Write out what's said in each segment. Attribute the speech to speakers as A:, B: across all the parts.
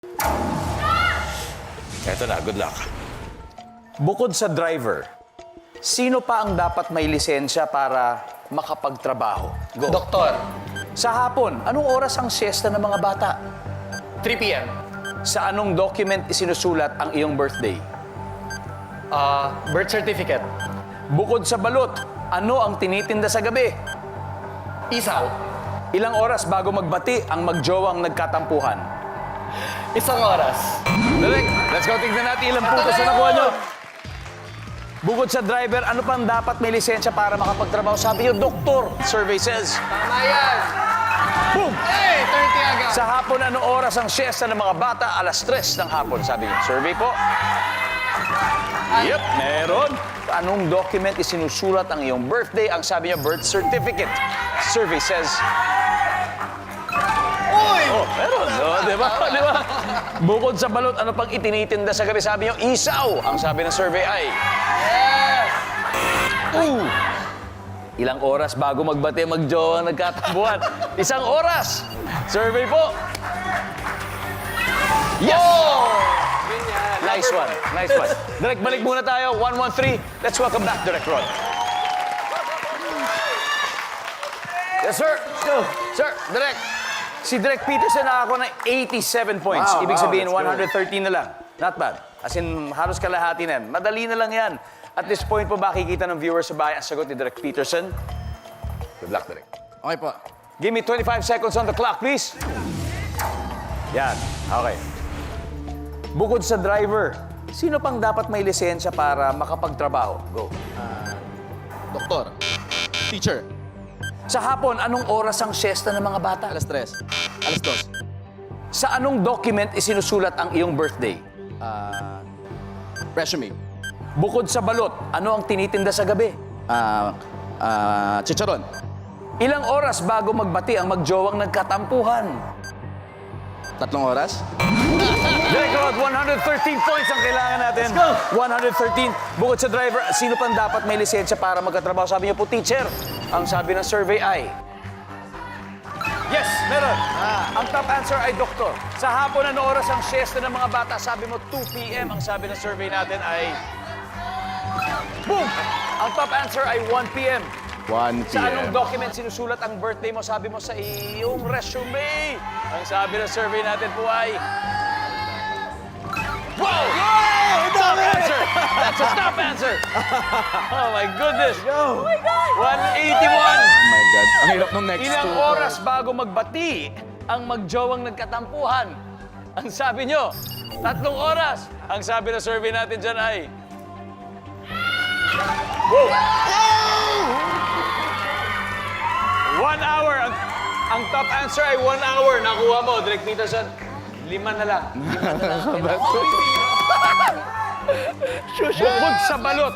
A: Eto na, good luck. Bukod sa driver, sino pa ang dapat may lisensya para makapagtrabaho? Go.
B: Doktor,
A: Sa hapon, anong oras ang siesta ng mga bata?
B: 3 p.m.
A: Sa anong document isinusulat ang iyong birthday?
B: Birth certificate.
A: Bukod sa balot, ano ang tinitinda sa gabi?
B: Isaw.
A: Ilang oras bago magbati ang magjowang nagkatampuhan?
B: 1 oras.
A: Direk, let's go. Tignan natin ilang puntos na nakuha nyo. Bukod sa driver, ano pang dapat may lisensya para makapagtrabaho? Sabi nyo, doktor. Survey says.
B: Tama yan.
A: Boom!
B: Hey, 30 agad.
A: Sa hapon, ano oras ang siesta ng mga bata? Alas 3 ng hapon, sabi nyo. Survey po. Yep, meron. Anong document isinusulat ang iyong birthday? Ang sabi niya, birth certificate. Survey says.
B: Uy!
A: Oh, meron. Oh, di ba? Di ba? Bukod sa balot, ano pang itinitinda sa gabi? Sabi niyo, isaw. Ang sabi ng survey ay...
B: Yes!
A: Ilang oras bago magbati, magjowa, nagkatambuhan? 1 oras. Survey po. Yes! Nice one. Nice one. Direk, balik muna tayo. 113. Let's welcome back, Direk Rod. Yes, sir. Let's go. Sir, Direk. Si Direk Peterson nakakuha ng 87 points.
C: Wow,
A: Ibig
C: wow,
A: sabihin,
C: let's go.
A: 113 na lang. Not bad. As in, halos kalahati na yan. Madali na lang yan. At this point po, makikita ng viewers sa bahay ang sagot ni Direk Peterson. Good luck, Direk.
C: Okay po.
A: Give me 25 seconds on the clock, please. Yan. Okay. Bukod sa driver, sino pang dapat may lisensya para makapagtrabaho? Go.
C: Doktor. Teacher.
A: Sa hapon, anong oras ang siesta ng mga bata?
C: Alas 3. Alas 2.
A: Sa anong document isinusulat ang iyong birthday?
C: Resume.
A: Bukod sa balot, ano ang tinitinda sa gabi?
C: Chicharon.
A: Ilang oras bago magbati ang magjowang nagkatampuhan?
C: 3 oras.
A: Direk Rod, 113 points ang kailangan natin. Let's go! 113. Bukod sa driver, sino pang dapat may lisensya para magkatrabaho? Sabi niyo po, teacher. Ang sabi ng survey ay... Yes, meron. Ang top answer ay doktor. Sa hapon, ano oras ang siesta ng mga bata? Sabi mo, 2 p.m. Ang sabi ng survey natin ay... Boom! Ang top answer ay 1 p.m.
C: 1
A: Sa anong
C: p.m.
A: document sinusulat ang birthday mo? Sabi mo sa iyong resume. Ang sabi ng survey natin po ay... Wow! Top answer! That's a top answer! Oh my goodness!
C: Go!
A: 181!
C: Oh my God. Ang hirap nung next
A: Ilang
C: two.
A: oras bago magbati ang magjowang nagkatampuhan? Ang sabi nyo, 3 oras. Ang sabi ng survey natin dyan ay... Whoa! 1 hour. Ang top answer ay 1 hour. Nakuha mo, Direk Peterson. 5 na lang. 5 na lang. Bukod sa balot.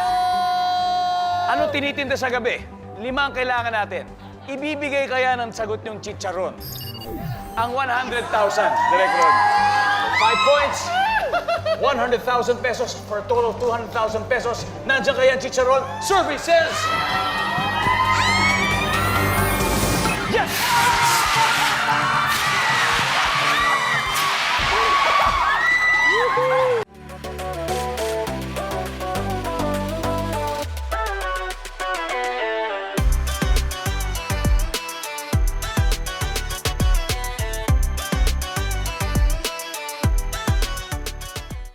A: Ano tinitinda sa gabi? 5 ang kailangan natin. Ibibigay kaya ng sagot yung chicharon. Ang 100,000, Direk Rod. 5 points. 100,000 pesos for a total of 200,000 pesos. Nandiyan kaya ang chicharon? Survey says... Yes!